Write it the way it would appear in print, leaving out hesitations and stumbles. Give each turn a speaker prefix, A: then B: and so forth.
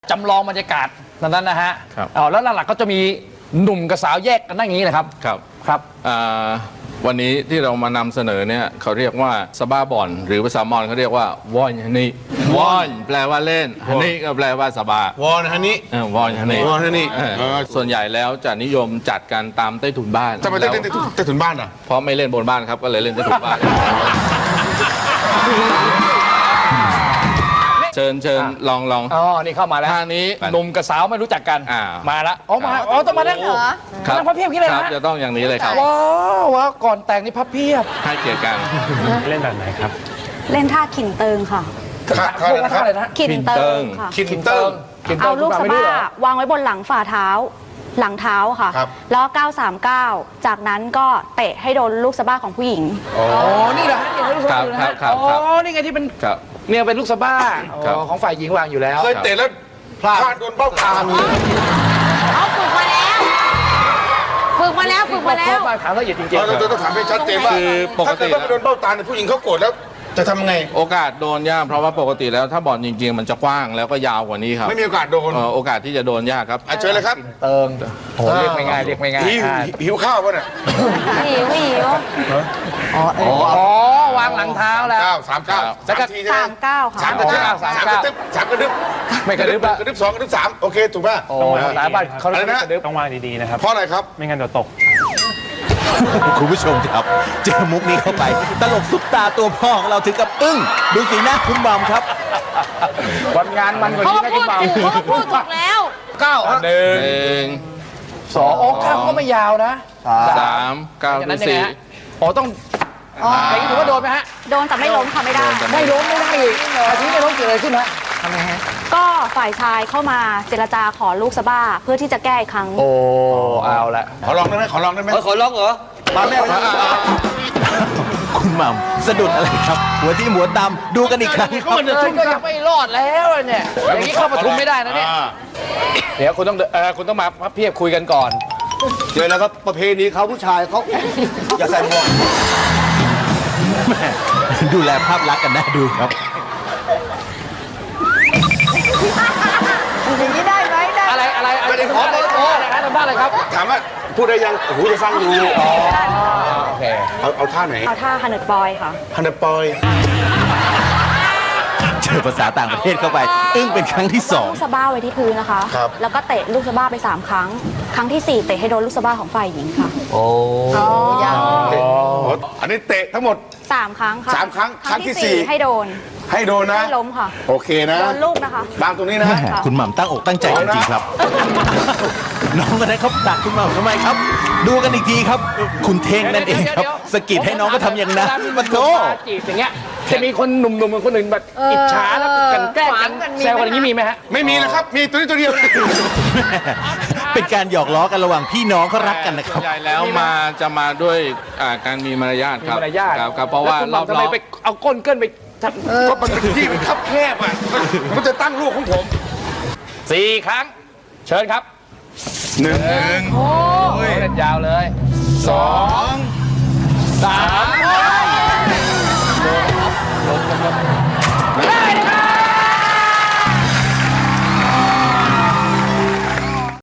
A: จำลองบรรยากาศนั้นนะฮะ
B: ครับ
A: แล้วหลักๆก็จะมีหนุ่มกับสาวแยกกันนั่งอย่างนี้เลยครับ
B: ครับ
A: ครับ
B: วันนี้ที่เรามานำเสนอเนี่ยเขาเรียกว่าสบ้าบอนหรือภาษามอญเขาเรียกว่าวอนฮันนี่วอนแปลว่าเล่นฮันนี่ก็แปลว่าสบาว
C: อนฮันนี่
B: วอนฮันนี่
C: วอนฮันนี่
B: ส่วนใหญ่แล้วจะนิยมจัดกันตามใต้ถุนบ้าน
C: ทำไมต้องเล่นใต้ถุนบ้านอ่ะ
B: เพราะไม่เล่นบนบ้านครับก็เลยเล่นใต้ถุนบ้าน เชิญลอง
A: อ๋อ นี่เข้ามาแล้ว
B: ท่านี้
A: หนุ่มกับสาวไม่รู้จักกัน มาแล้วต้องมานั่ง
B: ครับ
A: นั่งพับเพียบกี้เลย
B: ค
A: นะ
B: รับจะต้องอย่างนี้เลยครับ
A: ว้าวก่อนแต่งนี่พับเพียบ
B: ให้เกียรติกัน
D: เล่นแบบไหนครับ
E: เล่นท่าขินเติงค่ะ
A: พวกนั้นอะไรนะ
E: ขินเติงค่ะ
C: คินเติ้ง
E: เอาลูกสะบ้าวางไว้บนหลังฝ่าเท้า หลังเท้าค่ะ
C: ครับ
E: แล้ว939จากนั้นก็เตะให้โดนลูกสะบ้าของผู้หญิง
A: อ๋อ นี่เหรอฮะนี่ลูกสะบ้าอยู่นะฮะ
B: ครับ
A: อ๋อ นี่ไงที่เป็น
B: ครับ
A: เนี่ยเป็นลูกสะบ้า
B: ครับ
A: ของฝ่ายหญิงวางอยู่แล้ว
C: เคยเตะแล้วพลาดโดนเบ้าตา
E: เอาฝึกมาแล้วฝึกมาแล้วฝึกมาแล้ว
A: ถามละเอียดจริง
C: เราต้องถามให้ชัดเจนว่า
B: คือปก
C: ถ้า
B: ติ
C: เกิดว่าไปโดนเบ้าตาเนี่ยผู้หญิงเขาโกรธแล้วจะทำไง
B: โอกาสโดนยากเพราะว่าปกติแล้วถ้าบอลจริงๆ มันจะกว้างแล้วก็ยาวกว่านี้ครับ
C: ไม่มีโอกาสโดน
B: โอกาสที่จะโดนยากครับ
C: เชิญเลยครับ
A: เติงโอ้เรียกไม่ง่ายเรียกไม่ง่าย
C: หิวข้าวป่ะเนี่ย
E: หิว
A: อ๋อ วางหลังเท้าแล้ว
C: 39
A: แล้วก็
C: 3ทีใช่ไหม
E: 39ค่ะ
C: 3กระดึบ3กระดึบ
A: ไม่กระดึบละ
C: กระดึบ2กระดึบ3โอเคถูกป่ะ
A: โอ้หลายบ้านเขาเรียกกระดึบ
D: ต้องวางดีๆนะครับ
C: เพราะอะไรครับ
D: ไม่งั้นเดี๋ยวตก
F: คุณผู้ชมครับ เจอมุกนี้เข้าไป ตลกซุปตาตัวพ่อของเราถึงกับอึ้ง ดูสีหน้าคุณบอมครับ
A: วันงานมันกว่า
E: เขา
A: นี้นะ
E: พู
A: คุณ
E: ด
A: เบา
E: ถูกเขาพูดถูกแล้ว
A: หนึ่ง
B: หนึ่ง
A: สองโอ้ข้ามก็ไม่ยาวนะ
B: สามก้าว
A: อย่างนั้
B: ที่
A: นยังไง
B: สี่
A: ฮะอ๋อต้องอย่างนี้ถือว่าโดนไหมฮะ
E: โดนแต่ไม่ล้มค่ะไม่ได้
A: ไม่ล้มไม่ได้อีกอาทิตย์ไม่ล้มเกิดอะไรขึ้นฮะ
E: ก็ฝ่ายชายเข้ามาเจรจาขอลูกสะบ้าเพื่อที่จะแก้อีกครั้ง
A: โอ้เอาละ
C: ขอลองได้ไหมขอลองได้ไหม
A: ขอร้องเหรอ
C: มาแม่ครับ
F: คุณหม่ำสะดุดอะไรครับ หัวที่หัวตำดูกันอีกครั้งครับ
A: ก็ยังไม่รอดแล้วเนี่ยอย่างนี้เข้าประทุมไม่ได้นะเนี่ยเดี๋ยวคุณต้องมาพับเพียบคุยกันก่อน
C: เจอแล้วครับประเพณีเขาผู้ชายเขาอย่าใส่หมวก
F: ดูแลภาพลักษณ์กันน่าดูครับ
A: อะไรขอเลยอะไรฮะทำได้เลยครับ
C: ถามว่าพูดได้ยังโอ้โหจะฟังอยู่
A: โอเค
C: เอาท่าไหน
E: เอาท่าฮันเนอร์บอยค่ะ
C: ฮันเดปอย
F: เจอภาษาต่างประเทศเข้าไป อึ้งเป็นครั้งที่สอง
E: ลูกสะบ้าไว้ที่พื้นนะคะ แล้วก็เตะลูกสะบ้าไป3ครั้ง ครั้งที่4เตะให้โดนลูกสะบ้าของฝ่ายหญิงค่ะ
C: อันนี้เตะทั้งหมด
E: 3 ครั้งค่ะ
C: 3ครั้ง
E: ครั้งที่
C: ครั้งที่สี่
E: 4ให้โดน
C: ให้โดนนะ
E: ให้ล้มค่ะ
C: โอเคนะ
E: โดนลูกนะคะ
C: บางตรงนี้นะ
F: แม่คุณหม่ำตั้งอกตั้งใจจริงๆครับ น้องคนนั้นเขาดักคุณหม่ำทำไมครับ ดูกันอีกทีครับ คุณเท่งนั่นเองครับสะกิดให้น้องก็ทำอย่างนั้นมาโถ
A: จีบอย่างเงี้ยจะมีคนหนุ่มๆกับคนอื่นแบบอิจฉาแล้วกันแกล้งกันแซวกันอย่างนี้มีไหมฮะ
C: ไม่มีนะครับ มีตัวนี้ตัวเดียวนะ
F: เป็นการหยอกล้อกันระหว่างพี่น้องเขารักกันนะค
B: ส่
F: รั
B: วน
F: บ
B: ใหญ่แล้วจะมาด้วยการมีมารยาท
A: มี
B: ครับ
A: มารยาท
B: ครับเพราะว่า
A: แล้
B: ร
A: คุ
B: อ
A: ณหม่ำทำไม
B: บ
A: ไปเอาก้นเกินไป
C: ก็มันเป็นที่มันคับแคบอ่ะมันจะตั้งลูกของผม
A: 4 ครั้ง เชิญครับ
C: หนึ่ง
A: เล่นยาวเลย
C: 2
A: 3